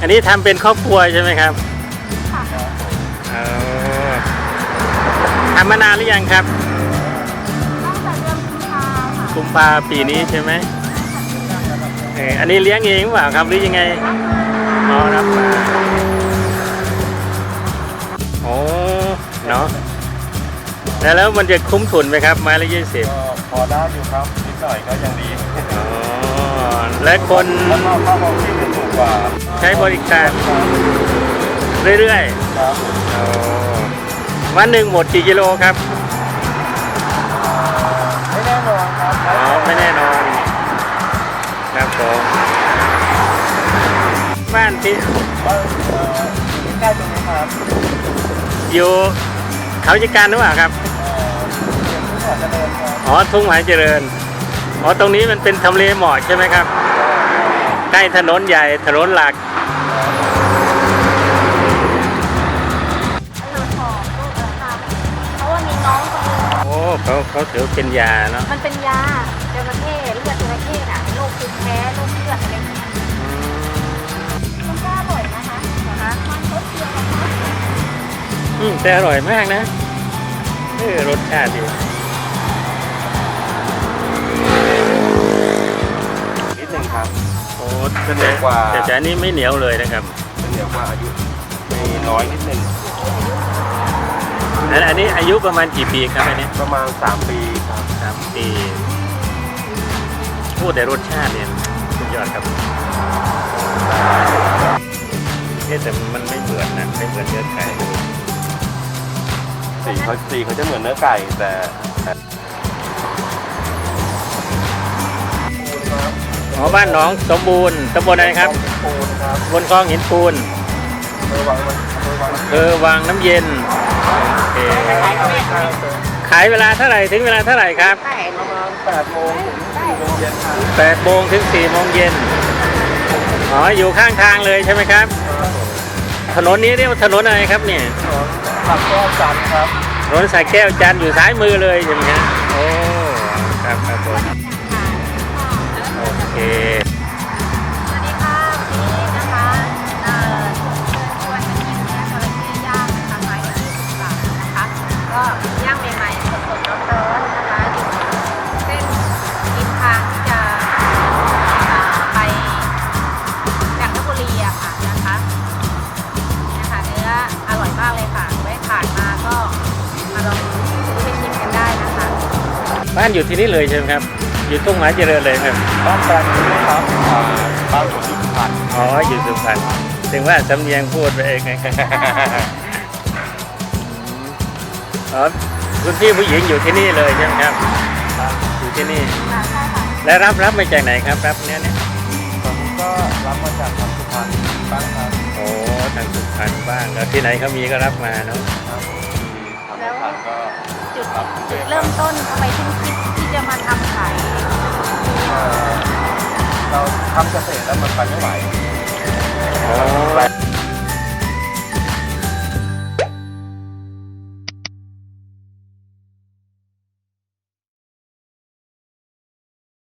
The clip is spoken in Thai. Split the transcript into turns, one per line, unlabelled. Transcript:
อันนี้ทำเป็นครอบครัวใช่ไหมครับ
ค่ะ
อ๋อทำมานานหรือยังครับ
ตั้งแต่เดือนกุมภาค่ะ
กุมภาปีนี้ใช่ไหมอันนี้เลี้ยงเองหรือเปล่าครับหรือยังไงอ๋อรับมาโอ้เนาะแล้วมันจะคุ้มทุนไหมครับไม้ละ20
ก็พอได้อยู่ครับนิดหน่อยก็ยังดี
อ๋อและคน
แล้วก็ค่าของที่จะถูกกว่า
ใช้บริการเรื่อยๆ
ครับ
วันหนึ่งหมดกี่กิโลครับ
ไม่แน่นอนครับ
อ๋อไม่แน่นอนครับผมบ้านที่
ใกล้ตรงนี้ครับ
อยู่เขาจัดการหรือเปล่าครับอ๋อทุ่งหมายเจริญอ๋อตรงนี้มันเป็นทำเลเหมาะใช่ไหมครับใกล้ถนนใหญ่ถนนหลัก
เพราะว่ามีน้องคนนึง
โอ้เขาถือเป็นยาเนาะ
มันเป็นยาจระเข้เลือดจระเข้น่ะโรคภูมิแพ้โรคเลือดอะไรอย่างเงี้ยมันก็อร่อยนะคะมันรสเดียวกันนะ
แต่อร่อยมากนะรสชาติดี
นิดหนึ่งครับ
โอ้จะเหนียวกว่าแต่อันนี้ไม่เหนียวเลยนะครับ
เหนียวกว่าอายุไม่น้อยนิดหนึ่ง
อันนี้อายุประมาณกี่ปีครับอันนี้
ประมาณ3 ปีครับ
3 ปีพูดแต่รสชาติเนี่ยสุดยอดครับแต่มันไม่เหมือนนะไม่เหมือนเนื้อไก่
สีเขาจะเหมือนเนื้อไก่แต่
บ้านหนองสมบูรณ์ตำบลอะไรครับบนคลองหินปูนวังน้ำเย็นขายเวลาเท่าไหร่ถึงเวลาเท่าไหร่ครับ
ประมาณ8 โมงถึง 4 โมงเย็นครับ
8 โมงถึง 4 โมงเย็นอ๋ออยู่ข้างทางเลยใช่ไหมครับถนนนี้เรียกว่าถนนอะไรครับเนี่ย
สักแก้วจันทร์ครับ
ถนนสายแก้วจันทร์อยู่ซ้ายมือเลยใช่ไหมครับโอ้ครับผมโอเค
สวัสดีค่ะวันนี้นะคะชวนมากินเนื้อจระเข้ย่างนะคะไม้ละ20 บาทนะคะก็ย่างใหม่ๆสดๆร้อนๆนะคะอยู่เส้นริมทางที่จะไปจันทบุรีอะค่ะนะคะเนื้ออร่อยมากเลยค่ะแวะผ่านมาก็มาลองซื้อไปชิมกันได้นะคะ
บ้านอยู่ที่นี่เลยใช่ไหมครับอยู่ทุ่งหมายเจริญเลยครับ
บ้านแฟนนี่ครับบ้านผมอยู่สุพรรณ
อ๋ออยู่สุพรรณถึงว่าสำเนียงพูดไปเองไงอ๋อคุณพี่ผู้หญิงอยู่ที่นี่เลยใช่ไหมครับอยู่ที่นี่และรับมาจากไหนครับรับเนี้ย
ผมก็รับมาจากทางสุพรรณบ้างครับ
โอ้ทางสุพรรณบ้างแล้วที่ไหนเขามีก็รับมาเนาะ
แล้วจุดเริ่มต้นทำไมถึงคิดที่จะมาทำขาย
เราทำเกษตรแล้วมันไปไม่ไหว